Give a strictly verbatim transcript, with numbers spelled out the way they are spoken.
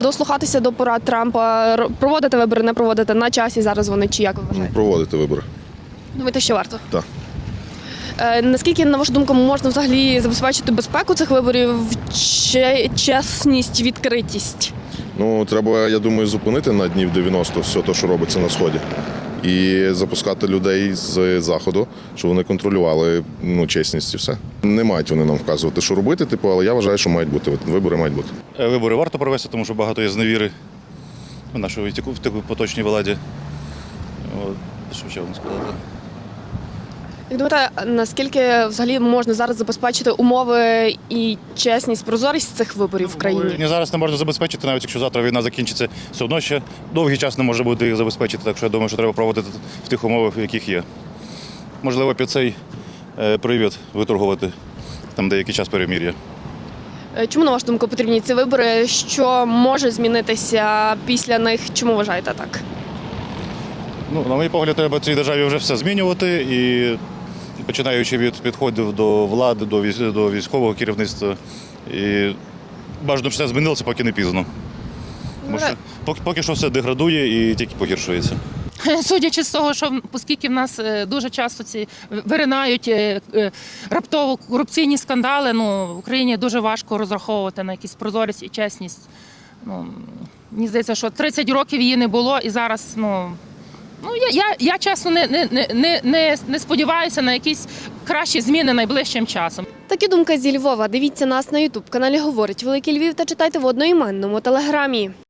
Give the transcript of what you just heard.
Дослухатися до порад Трампа, р- проводити вибори, не проводити на часі зараз вони чи як ви вважаєте? Проводити вибори. Думаєте, що варто? Так. Е, наскільки, на вашу думку, можна взагалі забезпечити безпеку цих виборів, че- чесність, відкритість? Ну, треба, я думаю, зупинити на днів дев'яносто все те, що робиться на Сході. І запускати людей з Заходу, щоб вони контролювали ну, чесність і все. Не мають вони нам вказувати, що робити, типу, але я вважаю, що мають бути. Вибори мають бути. Вибори варто провести, тому що багато є зневіри в нашій в такій поточній владі. От, що ще вам сказати? Як думаєте, наскільки взагалі можна зараз забезпечити умови і чесність, прозорість цих виборів в країні? Ні, зараз не можна забезпечити, навіть якщо завтра війна закінчиться, все одно ще довгий час не може бути їх забезпечити, так що я думаю, що треба проводити в тих умовах, в яких є. Можливо, під цей е, привід виторгувати там деякий час перемір'я. Е, Чому, на вашу думку, потрібні ці вибори? Що може змінитися після них? Чому вважаєте так? Ну, на мій погляд, треба цій державі вже все змінювати, і починаючи від підходів до влади, до військ- до військового керівництва. І бажано, щоб все змінилося, поки не пізно. Тому що поки, поки що все деградує і тільки погіршується. Судячи з того, що оскільки в нас е, дуже часто ці виринають е, е, раптово корупційні скандали, ну, в Україні дуже важко розраховувати на якісь прозорість і чесність. Ну, мені здається, що тридцять років її не було, і зараз, ну, ну я, я, я чесно не, не, не, не, не сподіваюся на якісь кращі зміни найближчим часом. Такі думки зі Львова. Дивіться нас на ютуб каналі «Говорить Великий Львів» та читайте в одноіменному телеграмі.